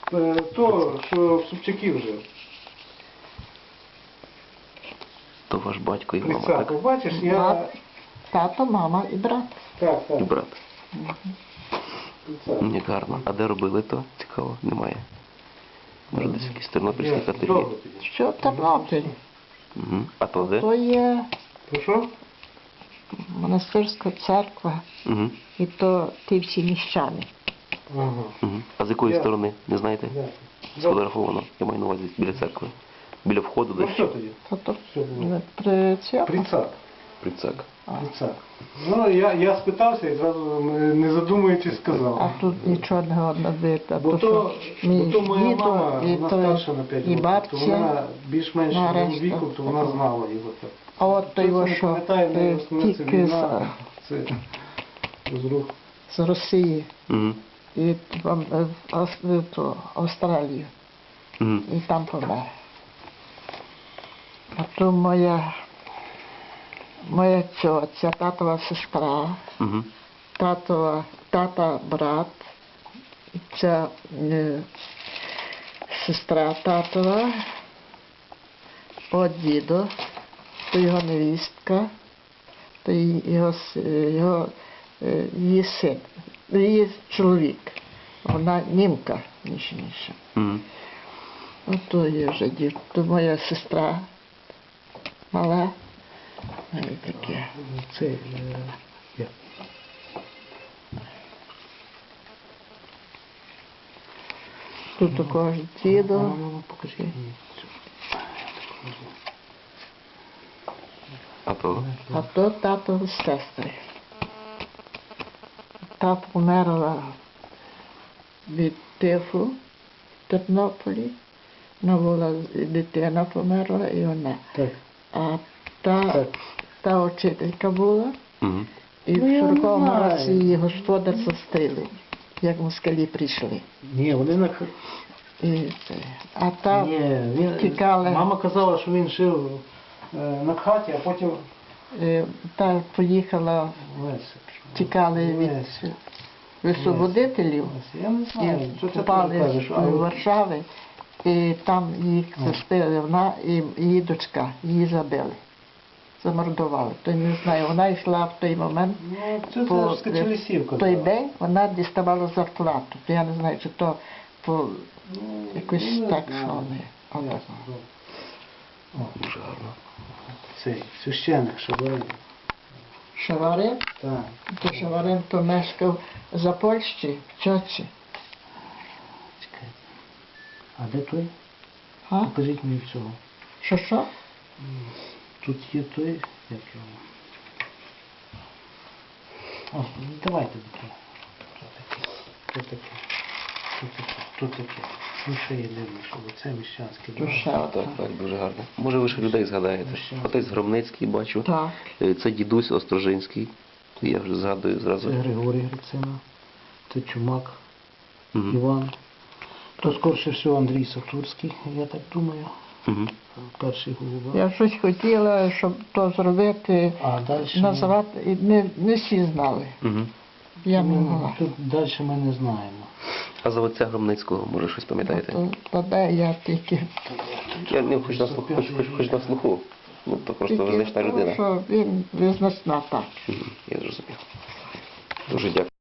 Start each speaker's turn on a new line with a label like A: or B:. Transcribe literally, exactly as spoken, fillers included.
A: е, то, що в Собчаків жив.
B: То ваш батько і мама,
A: Прицак.
B: так?
A: Бачиш, я...
C: Брат, тато, мама і брат.
A: Так,
B: І
A: так.
B: брат.
A: Прицак.
B: Як гарно. А де робили то? Цікаво, немає. Може десь якісь тернопільські
A: Є,
B: ательє.
A: добре тоді.
C: Що в Тернопілі?
B: Угу. А то де?
C: То є
A: То що?
C: монастирська церква,
B: Угу.
C: і то ті всі міщани.
A: Ага.
B: Угу. А з якої
A: Я-
B: сторони? Не знаєте?
A: Дякую.
B: Сфотографовано. Я маю на увазі біля церкви. Біля входу
A: Ну
B: десь.
A: що тоді?
C: То то
A: Що було?
C: при цьому.
A: Прицак.
B: Прицак.
A: Прицак. Ну, я, я спитався і зразу, не задумуючись,
C: А
A: сказав.
C: тут нічого не годно видно.
A: Бо то,
C: що мій
A: бо то моя
C: дідо,
A: мама,
C: і
A: вона
C: то-
A: старша на п'ять
C: і
A: років, то
C: бабця.
A: вона більш-менш
C: на
A: мого
C: решту
A: віку, то вона
C: такого.
A: знала його так.
C: А от то
A: Хтось
C: його,
A: не
C: що
A: пам'ятає,
C: е,
A: в основному це
C: втік
A: війна,
C: з,
A: це розрух.
C: з Росії
B: Угу.
C: і в, в, Ав- в ту Австралію.
B: Угу.
C: І там помер. А то моя, моя тьотя, татова сестра,
B: Угу.
C: татова, тата брат, ця е, сестра татова, от дідо, то його невістка, то й- його, с- його е, її син, її чоловік. Вона німка, ніж інше.
B: Угу.
C: Ото є вже дівчина, то моя сестра мала, ну і таке.
A: Це, е, я.
C: Тут також дідо.
A: Ну, ну, покажи мені.
B: А то?
C: А то тато з сестри. Тато померла від тифу в Тернополі. Вона була, дитина померла і вона.
A: Так,
C: А та,
A: так.
C: та учителька була,
B: Угу.
C: і
A: Ну,
C: в
A: я
C: сороковому
A: знаю.
C: році її господар застрілив, як москалі прийшли.
A: Ні, вони на...
C: І це. А та
A: Ні, він...
C: тікали.
A: Мама казала, що він жив е, на хаті, а потім
C: е, та поїхала,
A: Леся.
C: тікали від
A: Леся.
C: висвободителів.
A: Леся. Я не знаю, що
C: І
A: це ти
C: попали
A: кажеш.
C: в Варшави, і там їх застили, вона і її дочка, її забили, замордували. То я не знаю, вона йшла в той момент,
A: Ну, це
C: по
A: ж Скачелісівка.
C: в той день вона діставала зарплату. То я не знаю, чи то по
A: Ну,
C: якось
A: не
C: так,
A: знаю.
C: що вони. отак.
A: Ясно, добре. О,
B: Дуже гарно.
A: цей священик Шабарин.
C: Шаварин,
A: Так.
C: то Шаварин то мешкав за Польщі, в Чочі.
A: Чекайте. А де той?
C: А?
A: Покажіть мені цього.
C: Що що?
A: Тут є той, як його. О, давайте до того. Тут таке. Тут таке. Тут таке. Тут таке. Ну ще є дивно, що це міщанське.
C: То ще
B: Так,
C: одна.
B: так, дуже гарно. Може ви ще людей згадаєте? Отець Громницький, бачу.
C: Так.
B: Е, Це дідусь Острожинський. Я вже згадую
A: Це
B: зразу.
A: Григорій Грицина. Це Чумак.
B: Угу.
A: Іван. То скорше всього Андрій Сатурський, я так думаю.
B: Угу.
A: Перший голова.
C: Я щось хотіла, щоб то зробити,
A: А далі...
C: назвати, і не, не всі знали.
B: Угу.
C: Я не
A: Ну,
C: могла.
A: тут далі ми не знаємо.
B: А за отця Громницького, може, щось пам'ятаєте?
C: То, то де я тільки.
B: Я не хоч на слуху, хоч, хоч, хоч на слуху. Ну, то просто
C: Тільки
B: визначна
C: тому,
B: людина.
C: що він визначна так.
B: Мгм, я зрозумів. Дуже дякую.